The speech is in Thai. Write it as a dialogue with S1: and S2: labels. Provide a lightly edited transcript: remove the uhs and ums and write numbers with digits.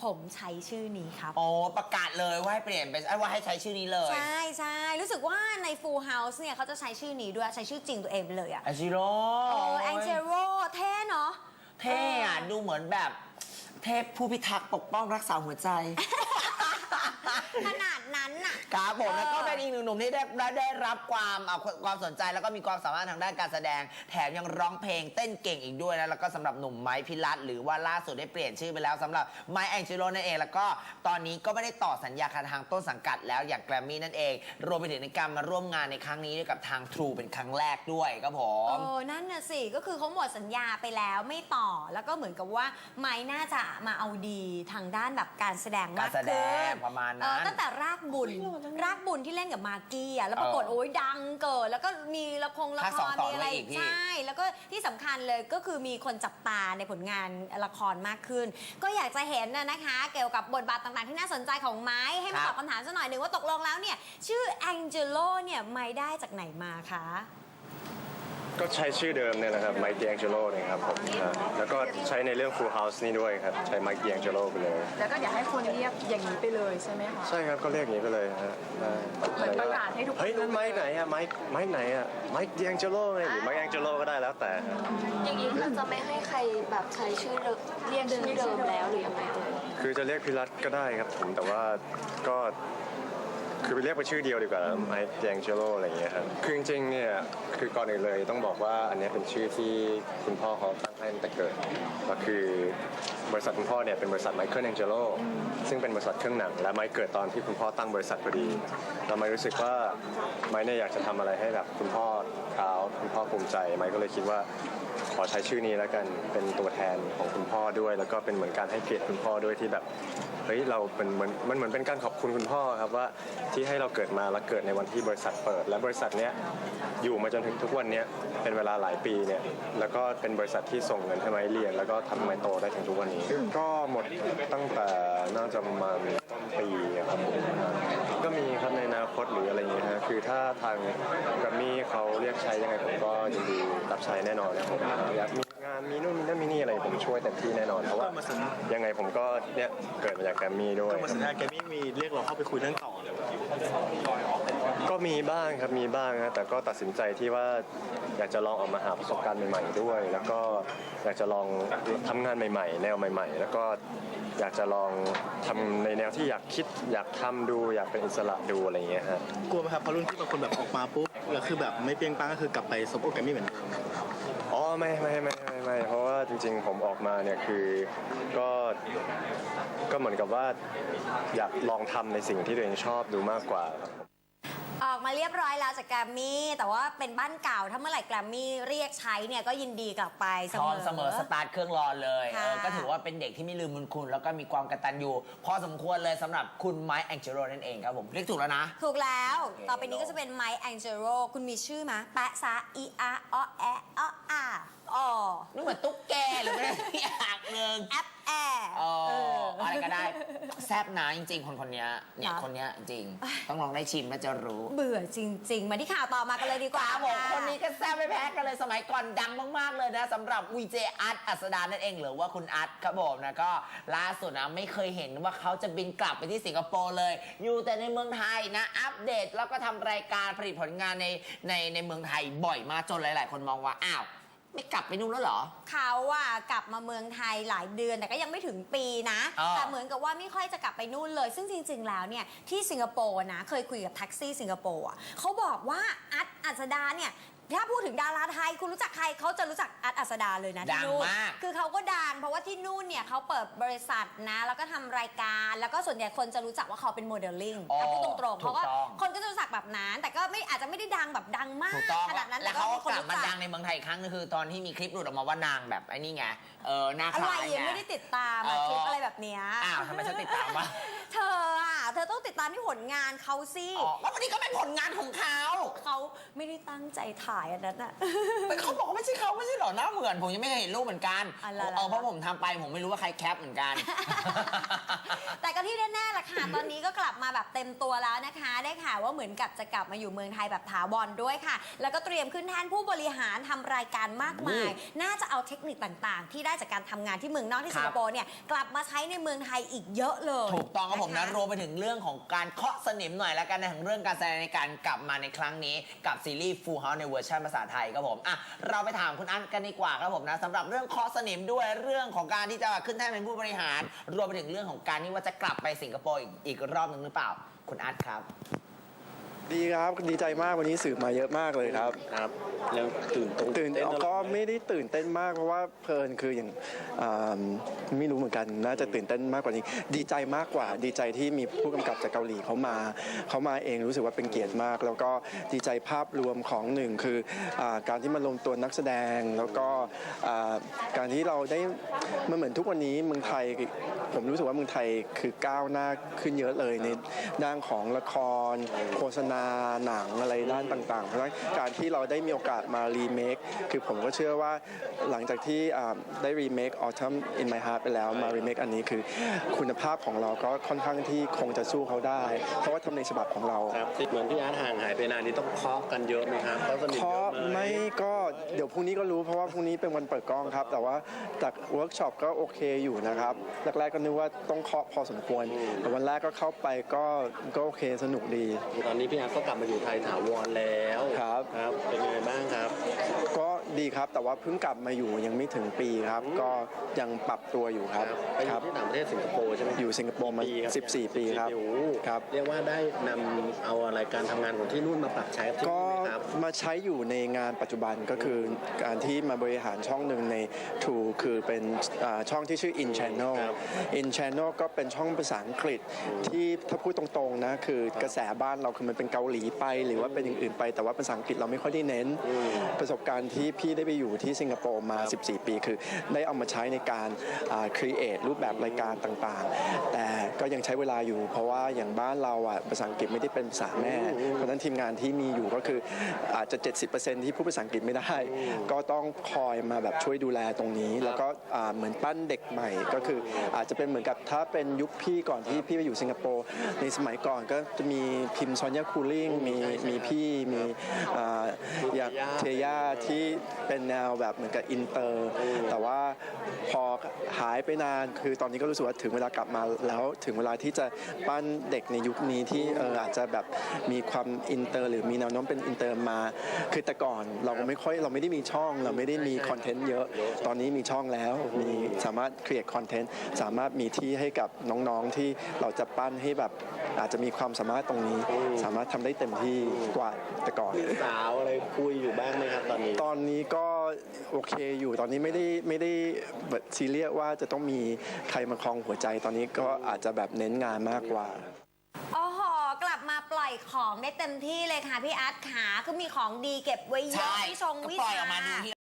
S1: ผมใช้ชื่อนี้ครับ
S2: โอ้ประกาศเลยว่าให้เปลี่ยนเป็นว่าให้ใช้ชื่อนี้เลย
S1: ใช่ใช่รู้สึกว่าใน Full House เนี่ยเขาจะใช้ชื่อนี้ด้วยใช้ชื่อจริงตัวเองไปเลยอะ
S2: แองจิโร่
S1: แองเจโรเท่เนาะ
S2: เท่อะดูเหมือนแบบเทพผู้พิทักษ์ปกป้องรักษาหัวใจ
S1: ขนาดนั้นน่ะ
S2: ครับผมแล้วก็เป็นอีกหนึ่งหนุ่มที่ได้รับความสนใจแล้วก็มีความสามารถทางด้านการแสดงแถมยังร้องเพลงเต้นเก่งอีกด้วยนะแล้วก็สำหรับหนุ่มไม้พิรัตน์หรือว่าล่าสุดได้เปลี่ยนชื่อไปแล้วสำหรับไม้แองเจโรนั่นเองแล้วก็ตอนนี้ก็ไม่ได้ต่อสัญญากับทางต้นสังกัดแล้วอย่างแกรมมี่นั่นเองรวมไปถึงในการมาร่วมงานในครั้งนี้ด้วยกับทาง True เป็นครั้งแรกด้วยครับผม
S1: นั่นน่ะสิก็คือเขาหมดสัญญาไปแล้วไม่ต่อแล้วก็เหมือนกับว่าไม้น่าจะมาเอาดีทางด้านแบบการแสดงมากขึ้น
S2: ประมาณนั้น
S1: ตั้งแต่รากบุญที่เล่นกับมากกี้แล้วปรากฏโอ้ยดังเกิดแล้วก็มีละครมีอะไรใช่แล้วก็ที่สำคัญเลยก็คือมีคนจับตาในผลงานละครมากขึ้นก็อยากจะเห็นนะคะเกี่ยวกับบทบาทต่างๆที่น่าสนใจของไม้ให้มาตอบคำถามสักหน่อยหนึ่งว่าตกลงแล้วเนี่ยชื่อแองเจโลเนี่ยไม้ได้จากไหนมาคะ
S3: ก็ใช้ชื่อเดิมเนี่ยแหละครับไมค์ แองเจโลเนี่ยครับผมแล้วก็ใช้ในเรื่อง Full House นี่ด้วยครับใช้ไมค์ แองเจโลไปเลย
S4: แล้วก็อยากให้คนเรียกอย่างนี้ไปเลยใช่ไหมคะ
S3: ใช่ครับก็เรียกอย่างนี้ไปเลยฮะ
S4: เหมือนประกาศให้ทุกคน
S3: เฮ้ยนั่นไมค์ไหนอะไมค์ไหนอะไมค์ แองเจโลไงหรือไมค์ แองเจโลก็ได้แล้วแต่
S5: อย่างนี้คือจะไม่ให้ใครแบบใช้ชื่อเรียกชื่อเดิมแล้วหรือยังไง
S3: คือจะเรียกพิรัตก็ได้ครับผมแต่ว่าก็คือไปเรียกไปชื่อเดียวดีกว่าไมค์ แองเจโลอะไรอย่างเงี้ยครับคือจริงๆเนี่ยคือก่อนอื่นเลยต้องบอกว่าอันนี้เป็นชื่อที่คุณพ่อเขาตั้งให้ตั้งแต่เกิดก็คือบริษัทคุณพ่อเนี่ยเป็นบริษัทไมเคิล แองเจโลซึ่งเป็นบริษัทเครื่องหนังและไมค์เกิดตอนที่คุณพ่อตั้งบริษัทพอดีแล้วไมค์รู้สึกว่าไมค์เนี่ยอยากจะทำอะไรให้แบบคุณพ่อคุณพ่อภูมิใจไมค์ก็เลยคิดว่าขอใช้ชื่อนี้แล้วกันเป็นตัวแทนของคุณพ่อด้วยแล้วก็เป็นเหมือนการให้เกียรติคุณพ่อด้วยที่แบบเฮ้ยเราเป็นมันเหมือนเป็นการขอบคุณคุณพ่อครับว่าที่ให้เราเกิดมาและเกิดในวันที่บริษัทเปิดและบริษัทเนี้ยอยู่มาจนถึงทุกวันนี้เป็นเวลาหลายปีเนี่ยแล้วก็เป็นบริษัทที่ส่งเงินให้ไม้เรียนแล้วก็ทำไม้โตได้ถึงทุกวันนี้ก็หมดตั้งแต่น่าจะประมาณต้นปีครับผมก็มีครับในอนาคตหรืออะไรอย่างเงี้ยฮะคือถ้าทางแกรมมี่เขาเรียกใช้ยังไงผมก็ยินดีรับใช้แน่นอนนะผมอยากมีงานมีนู่นมีนั่นมีนี่อะไรผมช่วยเต็มที่แน่นอนเพราะว่ายังไงผมก็เนี่ยเกิดมาจากแกรมมี่ด้วย
S6: มาสัญญาแกรมมี่มีเรียกเราเข้าไปคุยเรื่องต่อเลย
S3: ก็มีบ้างครับมีบ้างนะแต่ก็ตัดสินใจที่ว่าอยากจะลองออกมาหาประสบการณ์ใหม่ๆด้วยแล้วก็อยากจะลองทำงานใหม่ๆแนวใหม่ๆแล้วก็อยากจะลองทำในแนวที่อยากคิดอยากทำดูอยากเป็นอิสระดูอะไรอย่างเงี้ยฮะ
S6: กลัวไหมครับพอรุ่นที่บางคนแบบออกมาปุ๊บแล้วคือแบบไม่เปรี้ยงปังก็คือกลับไปซบโอแกรมมี่เหมือนเดิม
S3: อ๋อไม่เพราะว่าจริงๆผมออกมาเนี่ยคือก็เหมือนกับว่าอยากลองทำในสิ่งที่ตัวเองชอบดูมากกว่าครับ
S1: ออกมาเรียบร้อยแล้วจากแกรมมี่แต่ว่าเป็นบ้านเก่าถ้าเมื่อไหร่แกรมมี่เรียกใช้เนี่ยก็ยินดีกลับไปเสมอ
S2: สตาร์ทเครื่องรอเลยก็ถือว่าเป็นเด็กที่ไม่ลืมบุญคุณแล้วก็มีความกตัญญูพอสมควรเลยสำหรับคุณไมค์ แองเจโรนั่นเองครับผมเรียกถูกแล้วนะ
S1: ถูกแล้วต่อไปนี้ก็จะเป็นไมค์ แองเจโรคุณมีชื่อไหมแปะซะอีอาออแอออา
S2: นี่เหมือนตุ๊กแกหรือไม่ที่อ่างหนึ่ง
S1: แอปแอร์
S2: อะไรก็ได้แซบนะจริงๆคนนี้เนี่ยคนนี้จริงต้องลองได้ชิมแล้วจะรู้
S1: เบื่อจริงๆมาที่ข่าวต่อมากันเลยดีกว่า
S2: ผมคนนี้ก็แซบไม่แพ้กันเลยสมัยก่อนดังมากๆเลยนะสำหรับวีเจอาร์ตอัสดานั่นเองหรือว่าคุณอาร์ตครับผมนะก็ล่าสุดนะไม่เคยเห็นว่าเขาจะบินกลับไปที่สิงคโปร์เลยอยู่แต่ในเมืองไทยนะอัปเดตแล้วก็ทำรายการผลิตผลงานในเมืองไทยบ่อยมากจนหลายๆคนมองว่าอ้าวไม่กลับไปนู่นแล้วเหรอ
S1: เขากลับมาเมืองไทยหลายเดือนแต่ก็ยังไม่ถึงปีนะแต่เหมือนกับว่าไม่ค่อยจะกลับไปนู่นเลยซึ่งจริงๆแล้วเนี่ยที่สิงคโปร์นะเคยคุยกับแท็กซี่สิงคโปร์เขาบอกว่าอัสดาเนี่ยถ้าพูดถึงดาราไทยคุณรู้จักใครเขาจะรู้จักอัสดาเลยนะที่นู่นคือเขาก็ดังเพราะว่าที่นู่นเนี่ยเขาเปิดบริษัทนะแล้วก็ทำรายการแล้วก็ส่วนใหญ่คนจะรู้จักว่าเขาเป็นโมเดลลิ่งพูดตรงๆเพราะว่าคนก็จะรู้จักแบบนั้นแต่ก็อาจจะไม่ได้ดังแบบดังมากขนาดนั้น
S2: แล้วเขาก็กลับมาดังในเมืองไทยครั้งนึงคือตอนที่มีคลิปหลุดออกมาว่านางแบบไอ้นี่ไงหน้าคล้าย
S1: ไงยังไม่ได้ติดตามคลิปอะไรแบบเนี้ย
S2: ทำไมฉันติดตามวะ
S1: เธอต้องติดตามที่ผลงานเขาสิ
S2: แล้ววันนี้ก็เป็นผลงานของเขา
S1: ไม่ได้ตั้งใจถ่ายอันนั้น
S2: แต่เขาบอกว่าไม่ใช่เขาไม่ใช่หรอหน้าเหมือนผมยังไม่เห็นรูปเหมือนกันเพราะผมทำไปผมไม่รู้ว่าใครแคปเหมือนกัน
S1: แต่ก็ที่แน่ๆล่ะค่ะ ตอนนี้ก็กลับมาแบบเต็มตัวแล้วนะคะ ได้ข่าวว่าเหมือนกับจะกลับมาอยู่เมืองไทยแบบถาวรด้วยค่ะ แล้วก็เตรียมขึ้นแท่นผู้บริหารทำรายการมากมาย น่าจะเอาเทคนิคต่างๆ ที่ได้จากการทำงานที่เมืองนอกที่
S2: ครั
S1: สิ
S2: บ
S1: งคโปร์เนี่ยกลับมาใช้ในเมืองไทยอีกเยอะเลย
S2: ถูกต้องครับผมนะ
S1: ค
S2: รวมไปถึงเรื่องของการเคาะสนิมหน่อยแล้วกันในของเรื่องการแสดงในการกลับมาในครั้งนี้กับซีรีส์ Full House ในเวอร์ชันภาษาไทยครับผมอ่ะเราไปถามคุณอันกันดีกว่าครับผมนะสำหรับเรื่องเคาะสนิมด้วยเรื่องของการที่จะขึ้นแท่นเป็นผู้บริหาร รวมไปถึงเรื่องของการที่ว่าจะกลับไปสิงคโปร์อีกรอบหนึ่งหรือเปล่าคุณอันครับ
S7: ดีครับดีใจมากวันนี้สื่อมาเยอะมากเลยครับ
S6: ครับแล้วตื่น
S7: ก็ไม่ได้ตื่นเต้นมากเพราะว่าเพลินคืออย่างอ่าไม่รู้เหมือนกันน่าจะตื่นเต้นมากกว่านี้ ดีใจมากกว่าดีใจที่มีผู้กำกับจากเกาหลีเขามาเองรู้สึกว่าเป็นเกียรติมาก แล้วก็ดีใจภาพรวมของหนึ่งคือการที่มารวมตัวนักแสดงแล้วก็การที่เราได้มันเหมือนทุกวันนี้เมืองไทยผมรู้สึกว่าเมืองไทยคือก้าวหน้าขึ้นเยอะเลยในด้านของละครโฆษณาหนังอะไรด้านต่างๆเพราะฉะนั้นการที่เราได้มีโอกาสมารีเมคคือผมก็เชื่อว่าหลังจากที่ได้รีเมค Autumn in My Heart ไปแล้วมารีเมคอันนี้คือคุณภาพของเราก็ค่อนข้างที่คงจะสู้เขาได้ เพราะว่าทำในฉบับของเรา
S6: ครับเหมือนพี่อาร์ตห่างหายไปนานนี้ต้องเคาะกันเยอะไหมครับเคาะสนิท
S7: เคาะ
S6: เยอะไหม
S7: ไม่ก็เดี๋ยวพรุ่งนี้ก็รู้เพราะว่าพรุ่งนี้เป็นวันเปิดกล้องครับ แต่ว่าจากเวิร์กช็อปก็โอเคอยู่นะครับแรกๆก็นึกว่าต้องเคาะพอสมควรแต่วันแรกก็เข้าไปก็โอเคสนุกดี
S6: ตอนนี้พี่อาร์ตก็กลับมาอยู่ไทยถาวรแล้ว
S7: ครับ
S6: ครับเป็นยังไงบ้างครับ
S7: ก็ดีครับแต่ว่าเพิ่งกลับมาอยู่ยังไม่ถึงปีครับ ก็ยังปรับตัวอยู่ครับ
S6: ไปอ
S7: ค
S6: ยู่
S7: รับ
S6: ที่ต่างประเทศสิงคโปร์ใช่ไหม
S7: อยู่สิงคโปร์มา
S6: กี่ปีครับ
S7: 14 ปีครับ
S6: โอ้โห
S7: ครับ
S6: เรียกว่าได้นำเอาอะไรการทำงานของที่นู่นมาปรับใช้กับที่
S7: ก็
S6: นี่ไหมครับ
S7: มาใช้อยู่ในงานปัจจุบันก็คือการที่มาบริหารช่องหนึ่งใน True คือเป็นช่องที่ชื่อ In Channel
S6: ครับ
S7: In Channel ก็เป็นช่องภาษาอังกฤษที่ถ้าพูดตรงๆนะคือกระแสบ้านเราคือมันเป็นเกาหลีไปหรือว่าเป็นอย่างอื่นไปแต่ว่าภาษาอังกฤษเราไม่ค่อยได้เน้น ประสบการณ์ที่พี่ได้ไปอยู่ที่สิงคโปร์มา 14 ปีคือได้เอามาใช้ในการcreate รูปแบบรายการต่างๆ แต่ก็ยังใช้เวลาอยู่ เพราะว่าอย่างบ้านเราอ่ะภาษาอังกฤษไม่ได้เป็นภาษาแม่ เพราะฉะนั้นทีมงานที่มีอยู่ก็คืออาจจะ 70% ที่พูดภาษาอังกฤษไม่ได้ ก็ต้องคอยมาแบบช่วยดูแลตรงนี้ แล้วก็เหมือนปั้นเด็กใหม่ก็คืออาจจะเป็นเหมือนกับถ้าเป็นยุคพี่ก่อนที่พี่ไปอยู่สิงคโปร์ในสมัยก่อนก็จะมีพิมพ์ซอนยาคูลิ่งมีพี่มีอย่างเทย่าที่เป็นแนวแบบเหมือนกับอินเตอร์แต่ว่าพอหายไปนานคือตอนนี้ก็รู้สึกว่าถึงเวลากลับมาแล้วถึงเวลาที่จะปั้นเด็กในยุคนี้ที่อาจจะแบบมีความอินเตอร์หรือมีแนวโน้มเป็นอินเตอร์มาคือแต่ก่อนเราไม่ได้มีช่องเราไม่ได้มีคอนเทนต์เยอะตอนนี้มีช่องแล้วมีสามารถ create คอนเทนต์สามารถมีที่ให้กับน้องๆที่เราจะปั้นให้แบบอาจจะมีความสามารถตรงนี้ สามารถทำได้เต็มที่กว่าแต่ก่อน
S6: สาวอะไรคุยอยู่บ้างไหมครับตอนนี้
S7: ตอนนี้ก็โอเคอยู่ตอนนี้ไม่ได้แบบซีเรียสว่าจะต้องมีใครมาครองหัวใจตอนนี้ก็อาจจะแบบเน้นงานมากกว่า
S1: โอ้โหกลับมาปล่อยของได้เต็มที่เลยค่ะพี่อาร์ตขาคือมีของดีเก็บไว้เยอะ
S2: ใช่
S1: พี่ชง
S2: ก็
S1: วิ
S2: ปล่อย
S1: ชา
S2: ออกมาดูที